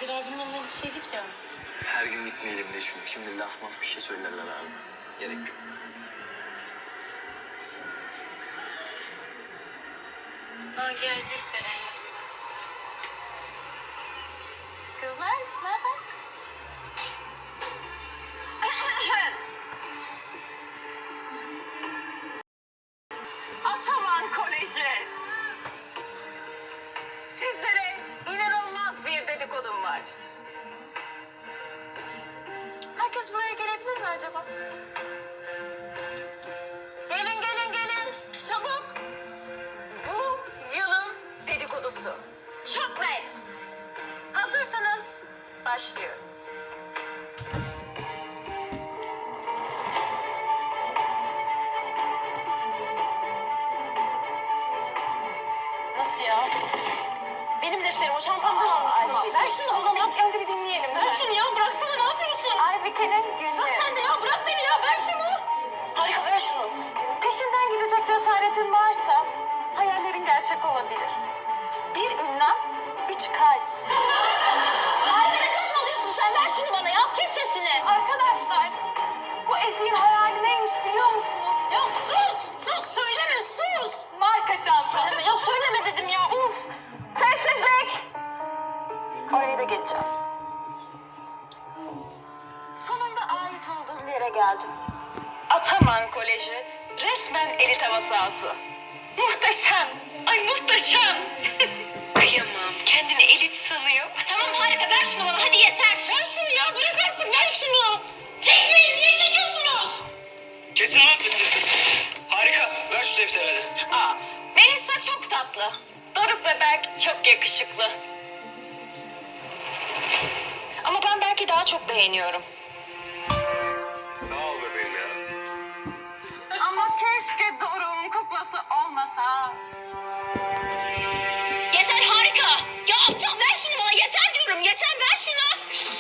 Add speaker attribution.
Speaker 1: Kadir abinin yanına gitseydik ya.
Speaker 2: Her gün gitmeyelim de çünkü şimdi laf maf bir şey söylerler abi. Gerek yok.
Speaker 1: Ha gel dur be.
Speaker 3: Kızlar, ne haber? Ataman Koleji. Sizlere inanılmaz bir dedikodum var. Herkes buraya gelebilir mi acaba? Gelin, gelin, gelin. Çabuk. Bu yılın dedikodusu. Çok net. Hazırsanız başlıyorum.
Speaker 1: Nasıl ya? Benim defterim o çantamdan almışsın. Ver şunu bana ya. Önce bir dinleyelim. Ver şunu ya. Bıraksana, ne yapıyorsun?
Speaker 3: Aybike'nin günlüğü.
Speaker 1: Bırak sen de ya. Bırak beni ya. Ver şunu. Harika, ver şunu.
Speaker 3: Peşinden gidecek cesaretin varsa hayallerin gerçek olabilir. Bir ünlem, 3 kalp.
Speaker 1: Harika, ne saçmalıyorsun sen? Ver şunu bana ya. Kes sesini.
Speaker 3: Arkadaşlar, bu Ezgi'nin hayali neymiş biliyor musunuz?
Speaker 1: Ya sus. Sus, söyleme, sus.
Speaker 3: Marka çanta.
Speaker 1: Söyleme ya. Söyleme dedim ya. Uf.
Speaker 3: Sessizlik! Oraya da geleceğim. Sonunda ait olduğum yere geldim. Ataman Koleji resmen elit hava sahası. Muhteşem! Ay muhteşem!
Speaker 1: Kıyamam. Kendini elit sanıyor. Tamam harika, ver şunu bana. Hadi yeter. Ver şunu ya. Bırak artık. Ver şunu. Çekmeyin. Niye çekiyorsunuz?
Speaker 4: Kesin lan sesinizi. Harika. Ver şu defteri hadi.
Speaker 3: Aa, Melisa çok tatlı. Doruk ve Berk çok yakışıklı. Ama ben Berk'i daha çok beğeniyorum.
Speaker 2: Sağ ol bebeğim ya.
Speaker 3: Ama keşke Doruk'un kuklası olmasa.
Speaker 1: Yeter harika. Ya aptal ver şunu bana. Yeter diyorum. Yeter, ver şunu.